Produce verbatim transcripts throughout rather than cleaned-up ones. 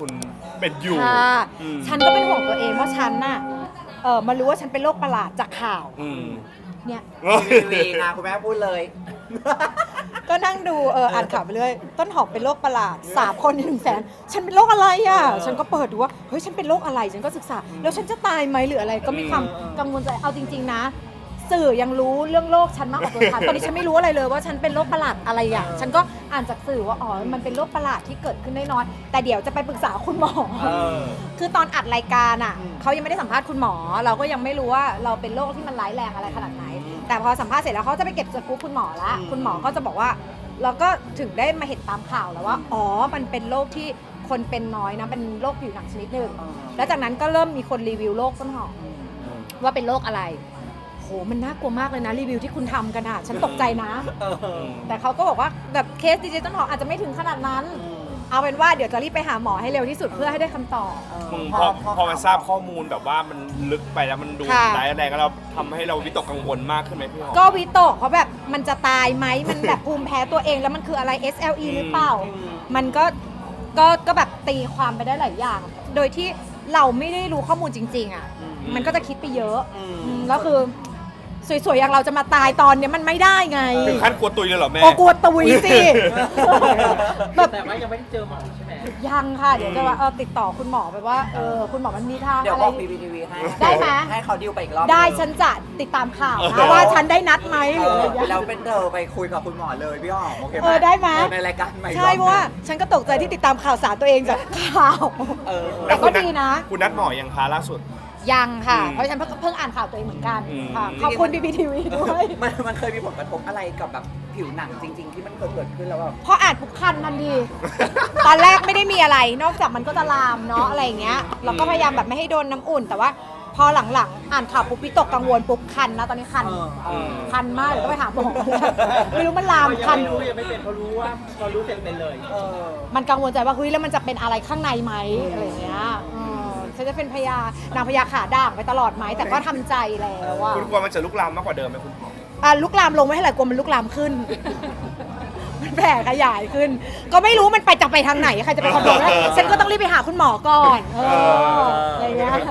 คุณเป็นอยู่ค่ะฉันก็เป็นห่วงตัวเองว่าฉันน่ะเออมารู้ว่าฉันเป็นโรคประหลาดจากข่าวเนี่ยทีวีนะคุณแม่พูดเลยก็นั่งดูเอออ่านข่าวไปเรื่อยต้นหอมเป็นโรคประหลาดสามคนในหนึ่งแสนฉันเป็นโรคอะไรอ่ะฉันก็เปิดดูว่าเฮ้ยฉันเป็นโรคอะไรฉันก็ศึกษาแล้วฉันจะตายไหมหรืออะไรก็มีความกังวลใจเอาจริงๆนะสื่อยังรู้เรื่องโรคฉันมากกว่าตัวฉันตอนนี้ฉันไม่รู้อะไรเลยว่าฉันเป็นโรคประหลาดอะไรอ่ะฉันก็อ่านจากสื่อว่าอ๋อมันเป็นโรคประหลาดที่เกิดขึ้นได้น้อยแต่เดี๋ยวจะไปปรึกษาคุณหมอคือตอนอัดรายการอ่ะเขายังไม่ได้สัมภาษณ์คุณหมอเราก็ยังไม่รู้ว่าเราเป็นโรคที่มันร้ายแรงอะไรขนาดไหนแต่พอสัมภาษณ์เสร็จแล้วเขาจะไปเก็บสกู๊ปคุณหมอละคุณหมอก็จะบอกว่าเราก็ถึงได้มาเห็นตามข่าวแล้วว่าอ๋อมันเป็นโรคที่คนเป็นน้อยนะเป็นโรคผิวหนังชนิดหนึ่งแล้วจากนั้นก็เริ่มมีคนรีวิวโรคต้นหอมว่าเป็นโรคอะไรโหมันน่ากลัวมากเลยนะรีวิวที่คุณทำกันอ่ะฉันตกใจนะแต่เขาก็บอกว่าแบบเคสดีเจต้นหอมอาจจะไม่ถึงขนาดนั้นเอาเป็นว่าเดี๋ยวจะรีบไปหาหมอให้เร็วที่สุดเพื่อให้ได้คำตอบพอพอมาทราบข้อมูลแบบว่ามันลึกไปแล้วมันดูร้ายแรงก็เราทำให้เราวิตกกังวลมากขึ้นไหมพี่หอมก็วิตกเพราะแบบมันจะตายไหมมันแบบภูมิแพ้ตัวเองแล้วมันคืออะไร เอส แอล อี หรือเปล่ามันก็ก็ก็แบบตีความไปได้หลายอย่างโดยที่เราไม่ได้รู้ข้อมูลจริงๆอ่ะมันก็จะคิดไปเยอะแล้วคือสวยๆอย่างเราจะมาตายตอนเนี้ยมันไม่ได้ไงถึงขั้นกลัวตุยเลยเหรอแม่โอ้กลัวตุยสิแบบแต่ว่ายังไม่ได้เจอหมอใช่ไหมยังค่ะเดี๋ยวจะว่าเออติดต่อคุณหมอไปว่าเออคุณหมอมันมีทางอะไรเดี๋ยวบอกพีพีทีวีให้ได้ไหมให้เขาดิวไปอีกรอบได้ฉันจะติดตามข่าวนะว่าฉันได้นัดไหมหรืออะไรอย่างเงี้ยเราเป็นเธอไปคุยกับคุณหมอเลยพี่หอมโอเคไหมเออได้ไหมในรายการใหม่ใช่เพราะว่าฉันก็ตกใจที่ติดตามข่าวสารตัวเองจากข่าวแต่ก็ดีนะคุณนัดหมอยังคะล่าสุดยังค่ะเพราะฉันเพิ่งเพิ่งอ่านข่าวตัวเองเหมือนกันค่ะขอบคุณ บี บี ที วี ด้วยมันมันเคยมีผลกระทบอะไรกับแบบผิวหนังจริงๆที่มันเคยเกิดขึ้นแล้วแบบพออ่านปุ๊บคันทันทีตอนแรกไม่ได้มีอะไรนอกจากมันก็จะลามเนาะอะไรอย่างเงี้ยเราก็พยายามแบบไม่ให้โดนน้ำอุ่นแต่ว่าพอหลังๆอ่านข่าวปุ๊บวิตกกังวลปุ๊บคันแล้วตอนนี้คันคันมากเดี๋ยวต้องไปหาหมอไม่รู้มันลามคันรู้ยังไม่เป็นเขารู้ว่าพอรู้เสร็จเป็นเลยมันกังวลใจว่าเฮ้ยแล้วมันจะเป็นอะไรข้างในไหมอะไรอย่างเงี้ยฉันจะเป็นพญานางพญาขาด่างไปตลอดไหมแต่ก็ทำใจแล้วว่าคุณกลัวมันจะลุกลามมากกว่าเดิมไหมคุณหมออ่ะลุกลามลงไม่เท่าไหร่กลัวมันลุกลามขึ้นมันแผ่ขยายขึ้นก็ไม่รู้มันไปจะไปทางไหนใครจะไปคอนโทรลฉันก็ต้องรีบไปหาคุณหมอก่อนเอออะไรเงี้ย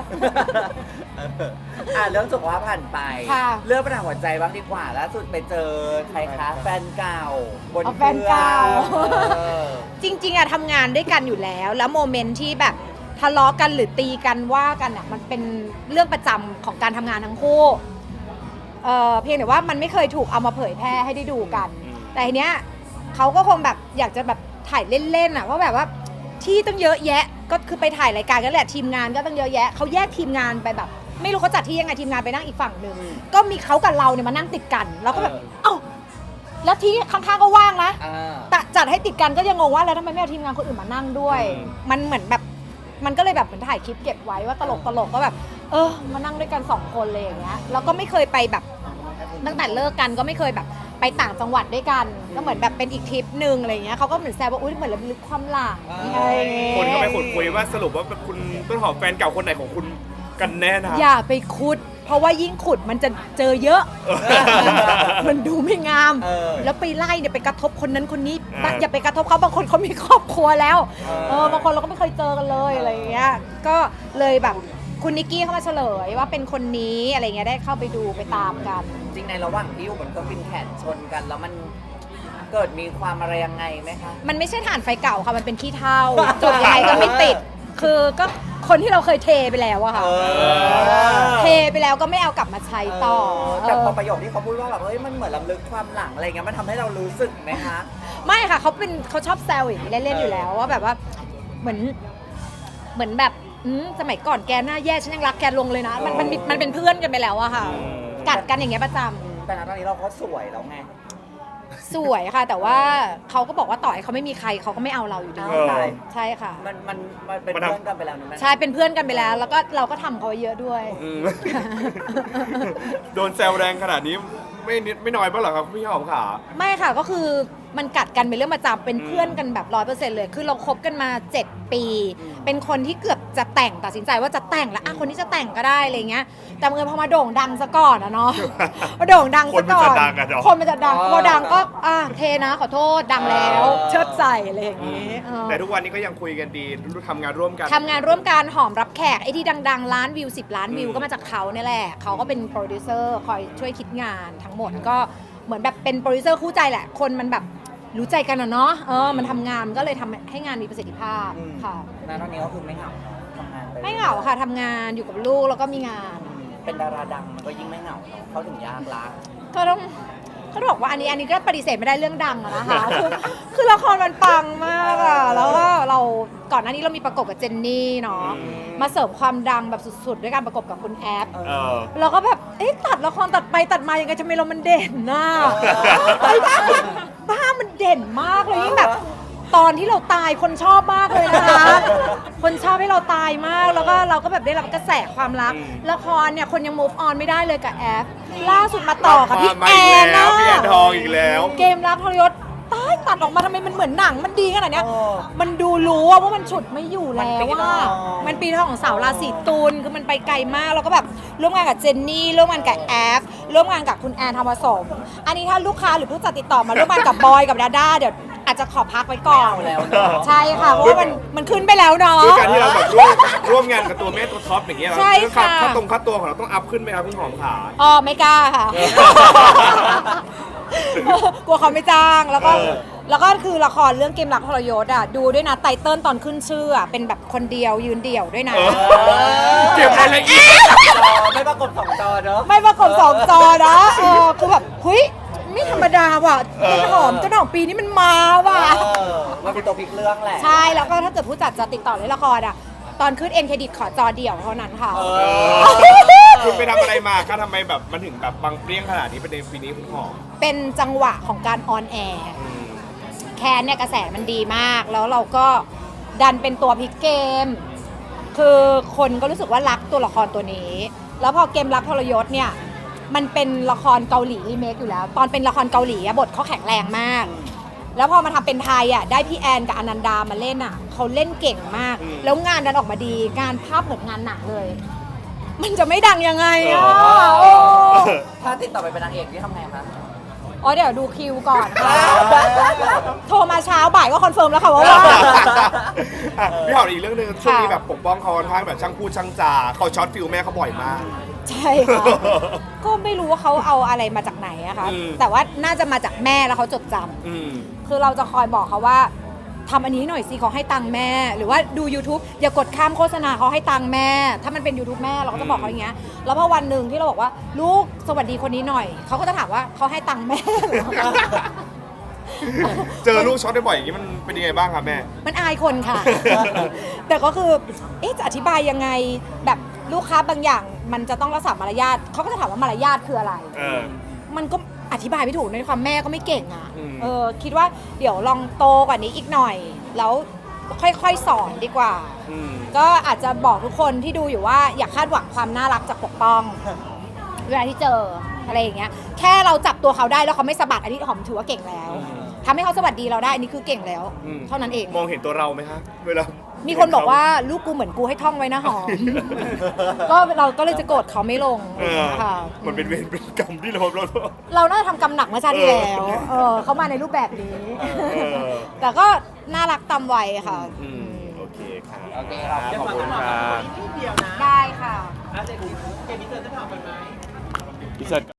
อ่ะเรื่องสุขภาพผ่านไปเรื่องปัญหาหัวใจบ้างดีกว่าล่าสุดไปเจอใครคะแฟนเก่าบนแฟนเก่าจริงๆอะทำงานด้วยกันอยู่แล้วแล้วโมเมนต์ที่แบบทะเลาะกันหรือตีกันว่ากันอะมันเป็นเรื่องประจำของการทำงานทั้งคู่เอ่อเพียงแต่ว่ามันไม่เคยถูกเอามาเผยแพร่ให้ได้ดูกันแต่ทีเนี้ยเขาก็คงแบบอยากจะแบบถ่ายเล่นๆอะว่าแบบว่าที่ต้องเยอะแยะก็คือไปถ่ายรายการกันแหละทีมงานก็ต้องเยอะแยะเขาแยกทีมงานไปแบบไม่รู้เขาจัดที่ยังไงทีมงานไปนั่งอีกฝั่งหนึ่งก็มีเขากับเราเนี่ยมานั่งติดกันแล้วก็แบบเอ้าแล้วที่ข้างๆก็ว่างนะแต่จัดให้ติดกันก็ยังงงว่าแล้วทำไมไม่เอาทีมงานคนอื่นมานั่งด้วยมันเหมือนแบบมันก็เลยแบบเหมือนถ่ายคลิปเก็บไว้ว่าตลกตลกก็แบบเออมานั่งด้วยกันสองคนเลยอย่างเงี้ยแล้วก็ไม่เคยไปแบบตั้งแต่เลิกกันก็ไม่เคยแบบไปต่างจังหวัดด้วยกันก็เหมือนแบบเป็นอีกทริปหนึ่งอะไรเงี้ยเขาก็เหมือนแซวว่าอุ้ยเหมือนระลึกความหลังคนก็ไปขุดคุยว่าสรุปว่าคุณต้นหอมแฟนเก่าคนไหนของคุณกันแน่นะอย่าไปขุดเพราะว่ายิ่งขุดมันจะเจอเยอะมันดูไม่งามแล้วไปไล่เนี่ยไปกระทบคนนั้นคนนี้อย่าไปกระทบเขาบางคนเขามีครอบครัวแล้วเออบางคนเราก็ไม่เคยเจอกันเลยอะไรเงี้ยก็เลยแบบคุณนิกกี้เข้ามาเฉลยว่าเป็นคนนี้อะไรเงี้ยได้เข้าไปดูไปตามกันจริงในระหว่างที่อยู่บนเครื่องบินแขนชนกันแล้วมันเกิดมีความอะไรยังไงไหมคะมันไม่ใช่ถ่านไฟเก่าค่ะมันเป็นขี้เถ้าจบยังไงก็ไม่ติดคือก็คนที่เราเคยเทไปแล้วอะค่ะเทไปแล้วก็ไม่เอากลับมาใช้ต่อแต่พอประโยคที่เขาพูดว่าแบบเอ้ยมันเหมือนลำลึกความหลังอะไรเงี้ยมันทำให้เรารู้สึกไหมคะไม่ค่ะเขาเป็นเขาชอบแซวอย่างนี้เล่นๆอยู่แล้วว่าแบบว่าเหมือนเหมือนแบบสมัยก่อนแกหน้าแย่ฉันยังรักแกลงเลยนะมันมันมันเป็นเพื่อนกันไปแล้วอะค่ะกัดกันอย่างเงี้ยประจำแต่ณตอนนี้เราก็สวยแล้วไงสวยค่ะแต่ว่าเขาก็บอกว่าต่อให้เขาไม่มีใครเขาก็ไม่เอาเราอยู่ดีใช่ค่ะมันมันมันเป็นเพื่อนกันไปแล้วนะใช่เป็นเพื่อนกันไปแล้วแล้วก็เราก็ทำเขาเยอะด้วยโดนแซวแรงขนาดนี้ไม่นิดไม่น้อยบ้างเหรอครับพี่หอมขาไม่ค่ะก็คือมันกัดกันเป็นเรื่องประจำเป็นเพื่อนกันแบบร้อยเปอร์เซ็นต์เลยคือเราคบกันมาเจ็ดปี เป็นคนที่เกือบจะแต่งตัดสินใจว่าจะแต่งแล้วอ่ะคนที่จะแต่งก็ได้อะไรเงี้ยแต่เมื่อพอมาโด่งดังซะก่อนอะเนาะ พอโด่งดังซะก่อนคนมันจะดังอะเนาะคนมันจะดังพอดังก็อ่ะเทนะขอโทษดังแล้วเชิดใส่อะไรอย่างงี้เออแต่ทุกวันนี้ก็ยังคุยกันดีทำงานร่วมกันทำงานร่วมกันหอมรับแขกไอ้ที่ดังๆล้านวิวสิบล้านวิวอืมก็มาจากเขาเนี่ยแหละเขาก็เป็นโปรดิวเซอร์คอยช่วยคิดงานทั้งหมดก็เหมือนแบบเป็นโปรดิวเซอร์คู่ใจแหละคนมันแบบรู้ใจกันอะเนาะเออมันทำงานมันก็เลยทำให้งานมีประสิทธิภาพอืมค่ะณตอนนี้ก็คือไม่เหงาเนอะทำงานปไม่เหงาค่ะทำงานอยู่กับลูกแล้วก็มีงานอืมเป็นดาราดังมันก็ยิ่งไม่เหงาเนอะเขาถึงยากละก็ต้องเขาบอกว่าอันนี้อันนี้ก็ปฏิเสธไม่ได้เรื่องดังอะนะคะ คือคือละครมันปังมากอะแล้วก็เราก่อนหน้านี้เรามีประกบกับเจนนี่เนาะมาเสริมความดังแบบสุดๆด้วยการประกบกับคุณแอฟเออเราก็แบบ เอ๊ะตัดละครตัดไปตัดมายังไงทำไมเรามันเด่นน่ะไอ้บ้าบ้ามันเด่นมากเลยยิ่งแบบ ตอนที่เราตายคนชอบมากเลยนะคะ คนชอบให้เราตายมาก แล้วก็เราก็แบบได้รับกระแสความรักอืมละครเนี่ยคนยัง move on ไม่ได้เลยกับแอฟ ล่าสุดมาต่อกับพี่มาแออีกนแล้วนะพี่แอนทองอีกแล้วเกมรักทรยศตายตัดออกมาทำไมมันเหมือนหนังมันดีขนาดเนี้ยเออมันดูรู้อะว่ามันฉุดไม่อยู่แล้วมันปีทว่าองมันปีทองของสาวราศีตุลคือมันไปไกลมากแล้วก็แบบร่วมงานกับเจนนี่ร่วมงานกับแอฟร่วมงานกับคุณแอนทองผสม อันนี้ถ้าลูกค้าหรือผู้จัดติดต่อมาร่วมงานกับบอยกับดาด้าเดี๋ยวอาจจะขอพักไว้ก่อนไม่เอาแล้วเนอะใช่ค่ะเพราะว่ามันมันขึ้นไปแล้วเนาะด้วยการที่เราแบบร่วมร่วมงานกับตัวแม่ตัวท็อปอย่างเงี้ยใช่ค่ะค่าตรงค่าตัวของเราต้องอัพขึ้นไหมครับพี่หอมขาอ๋อไม่กล้าค่ะ กลัวเขาไม่จ้างแล้วก็เออแล้วก็คือละครเรื่องเกมรักทรยศอ่ะดูด้วยนะไตเติ้ลตอนขึ้นชื่ออ่ะเป็นแบบคนเดียวยืนเดี่ยวด้วยนะเออเก็บรายละเอียดจอไม่ประกบสองจอเนอะไม่ประกบสองจอนะเออคือแบบเฮ้ยไม่ธรรมดาว่ะต้นหอมต้นหอมปีนี้มันมาว่ะเออมันเป็นตัวพลิกเรื่องแหละใช่แล้วก็ถ้าเกิดผู้จัดจะติดต่อเล่นละครอ่ะตอนขึ้นเอ็นเครดิตขอจอเดี่ยวเท่านั้นค่ะเอเอออคุณไปทำอะไรมาคะทำไมแบบมันถึงแบบบังเปรี้ยงขนาดนี้ประเด็นปีนี้คุณหอมเป็นจังหวะของการออนแอร์อืมแคนเนี่ยกระแสมันดีมาก แล้วเราก็ดันเป็นตัวพลิกเกม คือคนก็รู้สึกว่ารักตัวละครตัวนี้ แล้วพอเกมรักทรยศเนี่ยมันเป็นละครเกาหลีรีเมคอยู่แล้ว ตอนเป็นละครเกาหลีอะบทเขาแข็งแรงมาก แล้วพอมาทำเป็นไทยอ่ะได้พี่แอนกับอนันดามาเล่นอ่ะเขาเล่นเก่งมากอืมแล้วงานดันออกมาดีงานภาพเหมือนงานหนังเลย มันจะไม่ดังยังไงอ่ะเออโอ้ถ้าติดต่อไปเป็นนางเอกนี่ทำไงคะอ๋อเดี๋ยวดูคิวก่อนค่ะ โทรมาเช้าบ่ายก็คอนเฟิร์มแล้วค่ะว่าว่างอ่ะพี่หอมอีกเรื่องหนึงช่วงนี้ค่ะแบบปกป้องเขาค่อนข้างแบบช่างพูดช่างจาเขาช็อตฟิลแม่เขาบ่อยมากใช่ค่ะ ก็ไม่รู้ว่าเขาเอาอะไรมาจากไหนอะคะอืมแต่ว่าน่าจะมาจากแม่แล้วเขาจดจำอืมคือเราจะคอยบอกเขาว่าทำอันนี้หน่อยสิเขาให้ตังค์แม่ หรือว่าดู YouTube อย่ากดข้ามโฆษณาเขาให้ตังค์แม่ ถ้ามันเป็น YouTube แม่เราก็จะบอกเขาอย่างเงี้ยแล้วพอวันหนึ่งที่เราบอกว่าลูกสวัสดีคนนี้หน่อยเขาก็จะถามว่าเขาให้ตังค์แม่เหรอเจอลูกช็อตได้บ่อยอย่างนี้มันเป็นยังไงบ้างครับแม่มันอายคนค่ะ แต่ก็คือเอ๊ะจะอธิบายยังไงแบบลูกค้าบางอย่างมันจะต้องรักษามารยาทเขาก็จะถามว่ามารยาทคืออะไรเออมันก็อธิบายไม่ถูกในความแม่ก็ไม่เก่งอ่ะอืมเออคิดว่าเดี๋ยวลองโตกว่านี้อีกหน่อย แล้วค่อยๆสอนดีกว่าอืมก็อาจจะบอกทุกคนที่ดูอยู่ว่าอย่าคาดหวังความน่ารักจากปกป้อง เวลาที่เจออะไรอย่างเงี้ยแค่เราจับตัวเขาได้แล้วเขาไม่สะบัดอันนี้หอมถือว่าเก่งแล้วอืมทำให้เขาสวัสดีเราได้อันนี้คือเก่งแล้วอืมเท่านั้นเองมองเห็นตัวเราไหมคะเวลามีคนบอกว่าลูกกูเหมือนกูให้ท่องไว้นะหอม ก็เราก็เลยจะโกรธเขาไม่ลงเออค่ะมันเป็นเวรเป็นกรรมที่เราเราเราน่าจะทำกรรมหนักเมื่อชาติที่แล้วเออเออเขามาในรูปแบบนี้เออแต่ก็น่ารักตามวัยค่ะอืมโอเคค่ะโอเคครับขอบคุณค่ะนิดเดียวนะได้ค่ะอาจจะเกมนี้เธอจะทำไปไหมพี่เสิร์ช